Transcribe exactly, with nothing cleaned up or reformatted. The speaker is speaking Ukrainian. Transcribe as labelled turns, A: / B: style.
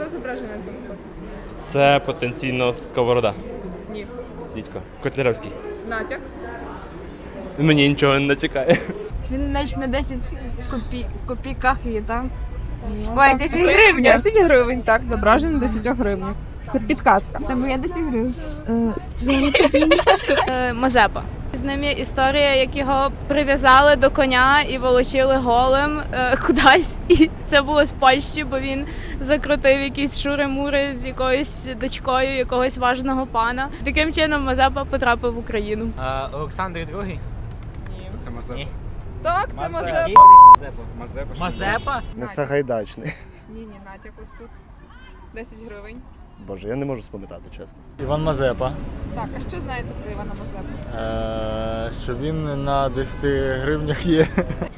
A: Хто зображений на цьому фото?
B: Це потенційно Сковорода.
A: Ні.
B: Дідько. Котляревський.
A: Натяк?
B: Мені нічого не натякає.
C: Він наче на десять копій... копійках є, так? Ой, десять гривень.
A: десять гривень, так, зображений десять гривень. Це підказка.
C: Це моя десять гривень.
D: Мазепа. З ним є історія, як його прив'язали до коня і волочили голим е, кудись. І це було з Польщі, бо він закрутив якісь шури-мури з якоюсь дочкою якогось важного пана. Таким чином Мазепа потрапив в Україну.
E: А, Олександр другий?
F: Це Мазепа.
E: Ні.
A: Так, це Мазепа.
E: Мазепа.
F: Мазепа.
E: Мазепа?
G: Не Сагайдачний.
A: Ні, ні, натяк ось тут. десять гривень.
G: Боже, я не можу спам'ятати, чесно.
H: Іван Мазепа.
A: Так, а що знаєте про Івана Мазепу?
H: Е, що він на десяти гривнях є.